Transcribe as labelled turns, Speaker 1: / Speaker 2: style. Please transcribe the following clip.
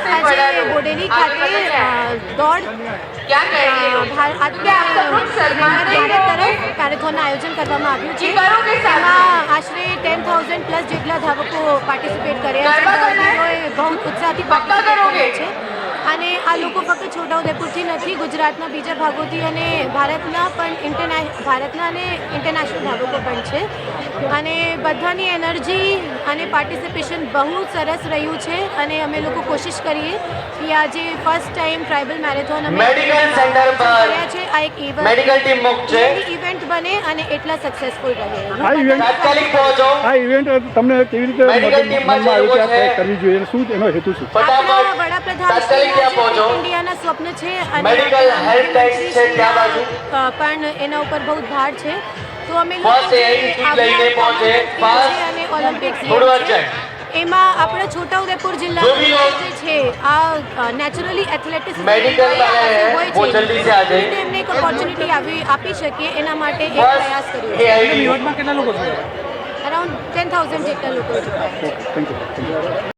Speaker 1: આજે બોડેલી ખાતે દોડ ભારત તરફ મેરેથોનનું આયોજન કરવામાં આવ્યું છે. એમાં આશરે 10,000 પ્લસ જેટલા ધાવકો પાર્ટિસિપેટ કર્યા છે. દોડવીરોએ બહુ ઉત્સાહથી પાર્ટિસિપેટ કર્યા છે અને આ લોકો ફક્ત છોટાઉદેપુરથી નથી, ગુજરાતના બીજા ભાગોથી અને ભારતના અને ઇન્ટરનેશનલ ધાવકો પણ છે. અને બધાની એનર્જી અને પાર્ટિસિપેશન બહુ સરસ રહ્યું છે અને અમે લોકો કોશિશ કરીએ કે આજે ફર્સ્ટ ટાઈમ ટ્રાઇબલ મેરેથોન અમે
Speaker 2: મેડિકલ સેન્ટર પર
Speaker 1: છે. આ એક
Speaker 2: મેડિકલ ટીમ મુક્ત છે.
Speaker 1: ઇવેન્ટ બને અને એટલા સક્સેસફુલ રહે.
Speaker 2: તાત્કાલિક પહોંચો.
Speaker 3: આ ઇવેન્ટ તમને કેવી રીતે મનમાં આવ્યું કે આ કરવી જોઈએ અને શું એનો હેતુ શું?
Speaker 1: આપણા વડાપ્રધાન ઇન્ડિયાના સ્વપ્ન છે અને
Speaker 2: મેડિકલ હેલ્થ ટેક્સ છે ત્યાં બાજુ
Speaker 1: પણ એના ઉપર બહુ ભાર છે. તો અમે
Speaker 2: લઈને પહોંચે
Speaker 1: અને ઓલિમ્પિક્સ એમાં આપણા છોટાઉદેપુર જિલ્લામાં જે છે આ નેચરલી એથ્લેટિક્સ
Speaker 2: મેડિકલ
Speaker 1: હોય છે એમને એક ઓપોર્ચ્યુનિટી આપી શકીએ એના માટે એક પ્રયાસ કર્યો.
Speaker 3: કેટલા લોકો છે?
Speaker 1: અરાઉન્ડ 10,000 જેટલા લોકો છે.
Speaker 3: Thank you.